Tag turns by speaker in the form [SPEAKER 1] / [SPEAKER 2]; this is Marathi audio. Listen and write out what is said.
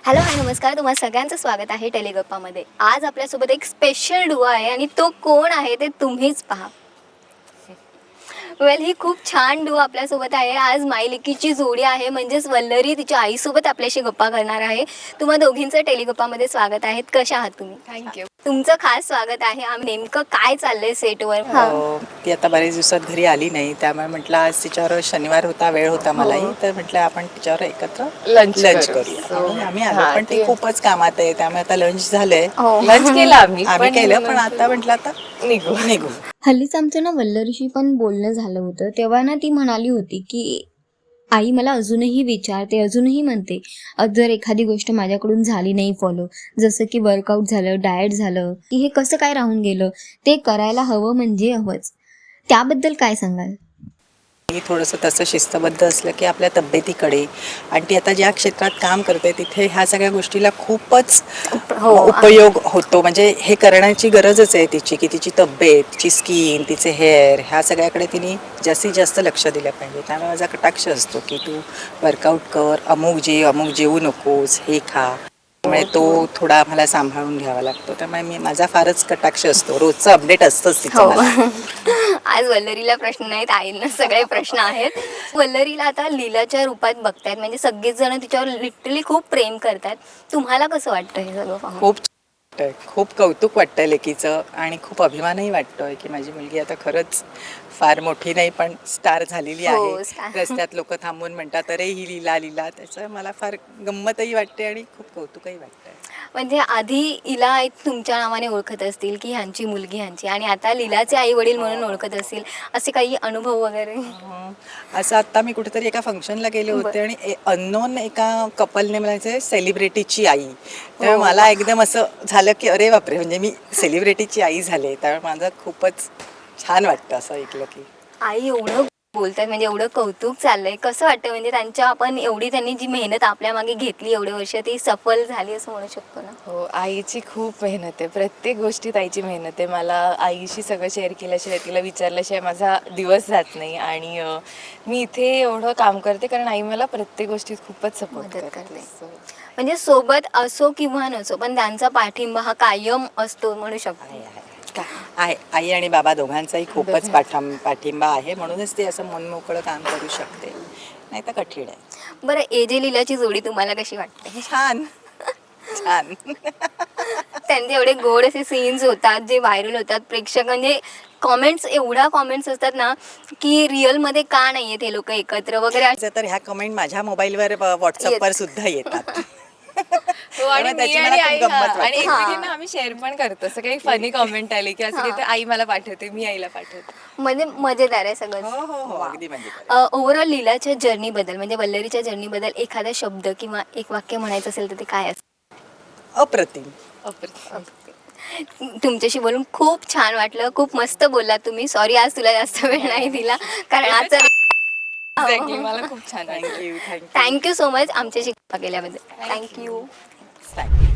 [SPEAKER 1] हॅलो हाय नमस्कार, तुम्हाला सगळ्यांचं स्वागत आहे टेलिगप्पामध्ये. आज आपल्यासोबत एक स्पेशल डुओ आहे आणि तो कोण आहे ते तुम्हीच पहा. ही खूप छान डुओ आपल्यासोबत आहे. आज माईलेकीची जोडी आहे, म्हणजेच वल्लरी तिच्या आईसोबत आपल्याशी गप्पा करणार आहे. तुम्हा दोघींचं टेलिगप्पामध्ये स्वागत आहे. कशा आहात तुम्ही?
[SPEAKER 2] थँक्यू.
[SPEAKER 1] तुमचं खास स्वागत आहे. नेमकं काय चाललंय सेटवर?
[SPEAKER 2] ती आता बरेच दिवसात घरी आली नाही, त्यामुळे म्हटलं आज तिच्यावर शनिवार होता, वेळ होता मलाही, तर म्हटलं आपण तिच्यावर एकत्र लंच करूया. म्हणून आम्ही आलो, पण ती खूपच कामात आहे, त्यामुळे आता लंच झालंय.
[SPEAKER 3] लंच केलं आम्ही
[SPEAKER 2] केलं, पण आता म्हटलं आता निघू.
[SPEAKER 1] हल्लीच आमचं ना वल्लरीशी पण बोलणं झालं होतं, तेव्हा ना ती म्हणाली होती की आई मला अजूनही विचारते, अजूनही म्हणते जर एखादी गोष्ट माझ्याकडून झाली नाही फॉलो, जसं की वर्कआउट झालं, डाएट झालं, की हे कसं काय राहून गेलं, ते करायला हवं म्हणजे हवंच. त्याबद्दल काय सांगाल?
[SPEAKER 2] मी थोडंसं तसं शिस्तबद्ध असलं की आपल्या तब्येतीकडे, आणि ती आता ज्या क्षेत्रात काम करते तिथे ह्या सगळ्या गोष्टीला खूपच उपयोग होतो. म्हणजे हे करण्याची गरजच आहे तिची, की तिची तब्येत, तिची स्किन, तिचे हेअर, ह्या सगळ्याकडे तिने जास्तीत जास्त लक्ष दिलं पाहिजे. त्यामुळे माझा कटाक्ष असतो की तू वर्कआउट कर, अमुक जेवू नकोस, हे खा. त्यामुळे तो थोडा मला सांभाळून घ्यावा लागतो. त्यामुळे माझा फारच कटाक्ष असतो, रोजचं अपडेट असतंच तिचं मला.
[SPEAKER 1] आज वल्लरीला प्रश्न नाहीत, आईंना सगळे प्रश्न आहेत. वल्लरीला आता लीलाच्या रूपात बघतायत, म्हणजे सगळेच जण तिच्यावर लिटरली खूप प्रेम करतात. तुम्हाला कसं वाटतं हे सगळं पाहून?
[SPEAKER 2] खूप कौतुक वाटतंय लेकीचं, आणि खूप अभिमानही वाटतोय की माझी मुलगी आता खरंच फार मोठी नाही पण स्टार झालेली आहे. रस्त्यात लोक थांबून म्हणतात अरे ही लीला. त्याचं मला फार गंमतही वाटते आणि खूप कौतुकही वाटतंय.
[SPEAKER 1] म्हणजे आधी हिला तुमच्या नावाने ओळखत असतील की ह्यांची मुलगी ह्यांची, आणि आता लीलाचे आई वडील म्हणून ओळखत असतील, असे काही अनुभव वगैरे?
[SPEAKER 2] असं आत्ता मी कुठेतरी एका फंक्शनला गेले होते आणि अननोन एका कपलने म्हणायचे सेलिब्रिटीची आई. त्यामुळे मला एकदम असं झालं की अरे बापरे, म्हणजे मी सेलिब्रिटीची आई झाले. त्यामुळे माझं खूपच छान वाटतं असं ऐकलं की
[SPEAKER 1] आई एवढं बोलतात, म्हणजे एवढं कौतुक चाललंय. कसं वाटतं, म्हणजे त्यांनी जी मेहनत आपल्या मागे घेतली एवढे वर्ष, ती सफल झाली असं म्हणू शकतो ना?
[SPEAKER 3] हो, आईची खूप मेहनत आहे, प्रत्येक गोष्टीत आईची मेहनत आहे. मला आईशी सगळं शेअर केल्याशिवाय, तिला विचारल्याशिवाय माझा दिवस जात नाही. आणि मी इथे एवढं काम करते कारण आई मला प्रत्येक गोष्टीत खूपच सपोर्ट करते.
[SPEAKER 1] म्हणजे सोबत असो किंवा नसो, पण त्यांचा पाठिंबा हा कायम असतो म्हणू शकतो.
[SPEAKER 2] आई आणि बाबा दोघांचाही खूपच पाठिंबा आहे, म्हणूनच ते असं मनमोकळं काम करू शकते, नाही तर कठीण आहे.
[SPEAKER 1] बरं, एजे लीलाची जोडी तुम्हाला कशी वाटते?
[SPEAKER 2] छान.
[SPEAKER 1] त्यांचे एवढे गोड असे सीन्स होतात जे व्हायरल होतात, प्रेक्षक म्हणजे कॉमेंट्स असतात ना, की रिअल मध्ये का नाहीये ते लोक एकत्र वगैरे.
[SPEAKER 2] तर ह्या कमेंट माझ्या मोबाईलवर व्हॉट्सअपवर सुद्धा येतात.
[SPEAKER 3] हो, आणि मी आणि आई आणि एकमेकींना आम्ही शेअर पण करतो. असं काही फनी कॉमेंट आली की असं काही, आई मला पाठवते, मी आईला पाठवते.
[SPEAKER 1] म्हणजे मजेदार आहे सगळं.
[SPEAKER 2] हो, अगदी मजेदार.
[SPEAKER 1] ओव्हरऑल लीलाच्या जर्नी बद्दल, म्हणजे वल्लरीच्या जर्नी बद्दल एखादा शब्द किंवा एक वाक्य म्हणायचं असेल तर ते काय असतं?
[SPEAKER 2] अप्रतिम.
[SPEAKER 1] तुमच्याशी बोलून खूप छान वाटलं, खूप मस्त बोललात तुम्ही. सॉरी आज तुला जास्त वेळ नाही दिला, कारण आजचा
[SPEAKER 3] मला खूप छान.
[SPEAKER 1] थँक्यू सो मच आमच्याशी गप्पा केल्याबद्दल. थँक्यू.